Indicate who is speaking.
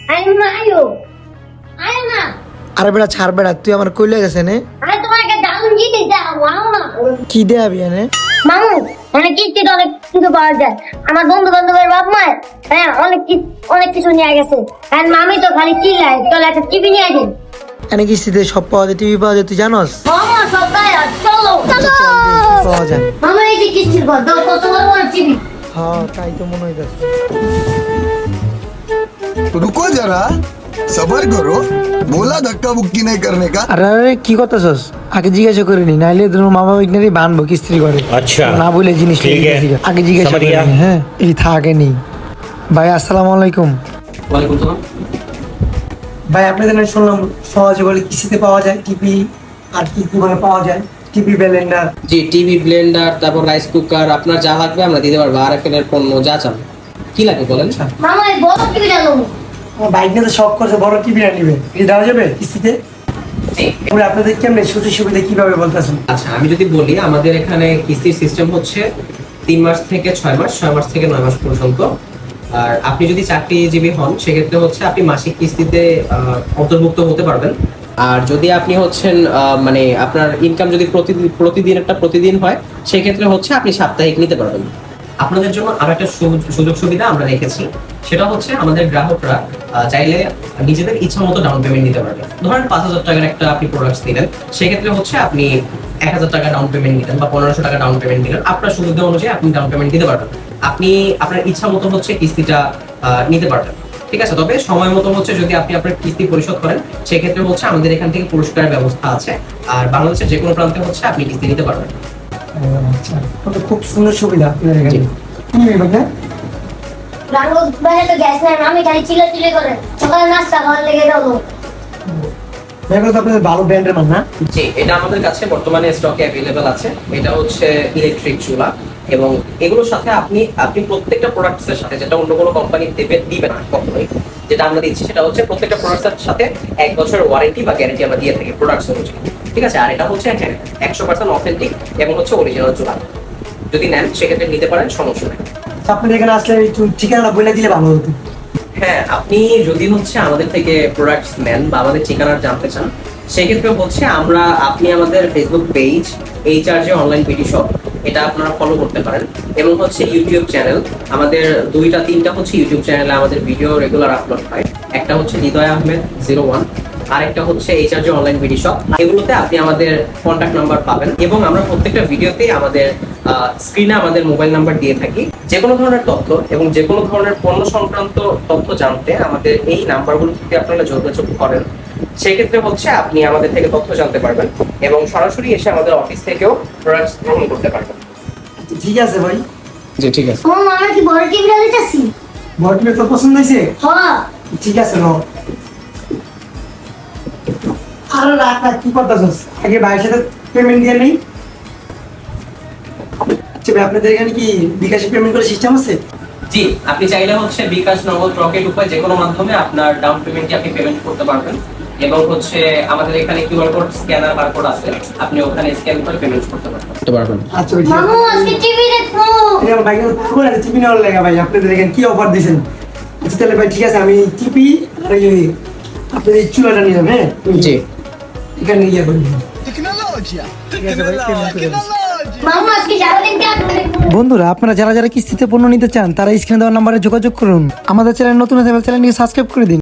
Speaker 1: আয় না আয়ো আয় না
Speaker 2: আরে বেটা ছাড় বেটা, তুই আমার কইলে গেছে নে
Speaker 1: আমি তোমাকে দারুণ জিনিস দেখাবো আও না
Speaker 2: কি দে আবি এনে
Speaker 1: মামু অনেক কিস্তিতে অনেক কিছু পাওয়া যায় আমার বন্ধু বান্ধবের বাপ মায়ের হ্যাঁ অনেক কিছু নিয়ে গেছে আর মামি তো খালি চিল্লায় চল একটা টিভি নিয়ে আসেন
Speaker 2: এনে কিস্তিতে সব পাওয়া যায়, টিভি পাওয়া যায়, তুই জানোস?
Speaker 1: মামা সবাই চলো চলো
Speaker 2: পাওয়া যায়।
Speaker 1: মামা এই যে কিস্তির ঘর দাও কত বড় টিভি
Speaker 2: হ্যাঁ তাই তো মনে হইতাছে।
Speaker 3: रुको जरा सबर करो बोला धक्का बुक्की नहीं करने का।
Speaker 2: আরে আরে কি করতেছস? আগে জিজ্ঞাসা করিনি, নাইলে তোর মামা ওইখানে বানবো কিস্তি করে।
Speaker 4: আচ্ছা
Speaker 2: না বলে জিনিস
Speaker 4: ঠিক আছে।
Speaker 2: আগে জিজ্ঞাসা
Speaker 4: समझ गया।
Speaker 2: করিনি। হ্যাঁ এই থাকে নি। ভাই আসসালামু আলাইকুম।
Speaker 5: ওয়ালাইকুম সালাম।
Speaker 2: ভাই আপনাদের আমি শুনলাম সহজে বলে কিস্তিতে পাওয়া যায় টিভি, আর কি কি মানে পাওয়া যায়? TV blender.
Speaker 5: জি টিভি ব্লেন্ডার তারপর রাইস কুকার আপনার যা লাগবে আমরা দিতে পারবো আরএফএল এর পণ্য যা চান কি লাগবে বলেন।
Speaker 1: মামা এই বড় টিভিটা নেবো
Speaker 2: আমার বাইক নিয়ে তো শখ করছে বড় টিভি নিবে, এটা দেওয়া যাবে কিস্তিতে?
Speaker 5: জি।
Speaker 2: এবার আপনাদের কেমনে সুযোগ সুবিধা কিভাবে বলতেছেন?
Speaker 5: আচ্ছা আমি যদি বলি আমাদের এখানে কিস্তির সিস্টেম হচ্ছে 3 মাস থেকে 6 মাস 6 মাস থেকে 9 মাস পর্যন্ত। আর আপনি যদি চাকরিজীবী হন সেক্ষেত্রে হচ্ছে আপনি মাসিক কিস্তিতে অন্তর্ভুক্ত হতে পারবেন। আর যদি আপনি হচ্ছেন মানে আপনার ইনকাম যদি প্রতিদিন হয় সেক্ষেত্রে হচ্ছে আপনি সাপ্তাহিক নিতে পারবেন। আপনাদের জন্য আরো একটা সুযোগ সুবিধা আমরা রেখেছি, সেটা হচ্ছে আমাদের গ্রাহকরা চাইলে নিজেদের ইচ্ছা মতো ডাউন পেমেন্ট নিতে পারবে। ধরেন 5,000 টাকার একটা আপনি প্রোডাক্টস নিলেন, সেক্ষেত্রে হচ্ছে আপনি 1,000 টাকা ডাউন পেমেন্ট নিলেন বা 1500 টাকা ডাউন পেমেন্ট নিলেন, আপনার সুবিধা অনুযায়ী আপনি ডাউন পেমেন্ট দিতে পারবেন। আপনি আপনার ইচ্ছা মতো হচ্ছে কিস্তিটা নিতে পারবেন, ঠিক আছে। তবে সময় মতো হচ্ছে যদি আপনি আপনার কিস্তি পরিশোধ করেন সেক্ষেত্রে হচ্ছে আমাদের এখান থেকে পুরস্কারের ব্যবস্থা আছে। আর বাংলাদেশের যে কোনো প্রান্তে হচ্ছে আপনি কিস্তি নিতে পারবেন।
Speaker 2: আচ্ছা তো খুব সুন্দর সুবিধা আপনাদের এখানে।
Speaker 5: জি।
Speaker 2: কি নেবে ভাই?
Speaker 1: রাঙ্গো বাইরে তো গ্যাস নাই মামি খালি চিল্লা করে সকালে নাস্তা খাওয়ার লেগে যাবো
Speaker 2: এগুলো তো আপনাদের ভালো ব্র্যান্ডের মাল না?
Speaker 5: জি এটা আমাদের কাছে বর্তমানে স্টকে অ্যাভেলেবেল আছে। এটা হচ্ছে ইলেকট্রিক চুলা এবং এগুলোর সাথে আপনি প্রত্যেকটা প্রোডাক্টসের সাথে যেটা অন্য কোনো কোম্পানি দিবে না কখনোই, যেটা আমরা দিচ্ছি সেটা হচ্ছে প্রত্যেকটা প্রোডাক্টসের সাথে 1 বছরের ওয়ারেন্টি বা গ্যারান্টি আমরা দিয়ে থাকি প্রোডাক্টস অনুযায়ী, ঠিক আছে। আর এটা হচ্ছে 100% অথেন্টিক এবং হচ্ছে অরিজিনাল চুলা। যদি নেন সেক্ষেত্রে নিতে পারেন, সমস্যা নেই।
Speaker 2: আচ্ছা, আপনাদের এখানে আসলে একটু ঠিকানা বলে দিলে ভালো হতো।
Speaker 5: হ্যাঁ আপনি যদি হচ্ছে আমাদের থেকে প্রোডাক্টস নেন বা আমাদের ঠিকানা জানতে চান সেক্ষেত্রে হচ্ছে আপনি আমাদের Facebook page HRJ online BD shop এটা আপনারা ফলো করতে পারেন এবং হচ্ছে ইউটিউব চ্যানেল আমাদের 2-3টা হচ্ছে ইউটিউব চ্যানেলে আমাদের ভিডিও রেগুলার আপলোড হয়। একটা হচ্ছে হৃদয় আহমেদ 01 আর একটা হচ্ছে এইচআরজে অনলাইন বিডি শপ। এগুলোতে আপনি আমাদের কন্ট্যাক্ট নাম্বার পাবেন এবং আমরা প্রত্যেকটা ভিডিওতেই আমাদের স্ক্রিনে আমাদের মোবাইল নাম্বার দিয়ে থাকি। যে কোনো ধরনের তথ্য এবং যে কোনো ধরনের পণ্য সংক্রান্ত তথ্য জানতে আমাদের এই নাম্বারগুলো যদি আপনারা যোগাযোগ করেন সেক্ষেত্রে হচ্ছে আপনি আমাদের থেকে তথ্য জানতে পারবেন এবং সরাসরি এসে আমাদের অফিস থেকেও প্রোডাক্টস গ্রহণ করতে পারবেন।
Speaker 2: আচ্ছা, ঠিক আছে ভাই।
Speaker 5: জি ঠিক আছে।
Speaker 1: মামা আমরা কি বড় টিভিটা দিতেছি
Speaker 2: বড় টিভি তো পছন্দ হয়েছে?
Speaker 1: হ্যাঁ
Speaker 2: ঠিক আছে নো। আর রাখ না, কি করতেছস? আগে ভাইয়ের সাথে পেমেন্ট দিয়ে নেই। আচ্ছা ভাই আপনাদের এখানে কি বিকাশে পেমেন্ট করার সিস্টেম আছে?
Speaker 5: জি আপনি চাইলে হচ্ছে বিকাশ, নগদ, রকেট উপায় যে কোনো মাধ্যমে আপনার ডাউন পেমেন্টটি আপনি পেমেন্ট করতে পারবেন এবং হচ্ছে আমাদের এখানে কিউআর কোড স্ক্যানার বারকোড আছে, আপনি ওখানে স্ক্যান করে পেমেন্ট করতে পারবেন।
Speaker 2: আচ্ছা ভাই, ঠিক আছে।
Speaker 1: মামু আজকে টিভি দেখবো
Speaker 2: এই আমার ভাইকে পুরো টিভি নেওয়ার লেগা ভাই আপনাদের এখানে কি অফার দিয়েছেন? আচ্ছা তাহলে ভাই ঠিক আছে, আমি টিভি আর এই আপনাদের এই চুলাটা নিলাম। হ্যাঁ
Speaker 5: জি
Speaker 2: এখানে ইয়ে করি।
Speaker 3: टेक्नोलॉजी
Speaker 2: ঠিক আছে ভাই, পেমেন্ট করে দিচ্ছি।
Speaker 1: মামু আজকে সারাদিন কাটবো দেখবো
Speaker 2: বন্ধুরা আপনারা যারা যারা কিস্তিতে পণ্য নিতে চান তারা স্ক্রিনে দেওয়া নাম্বারে যোগাযোগ করুন। আমাদের চ্যানেল নতুন হলে চ্যানেলটিকে সাবস্ক্রাইব করে দিন।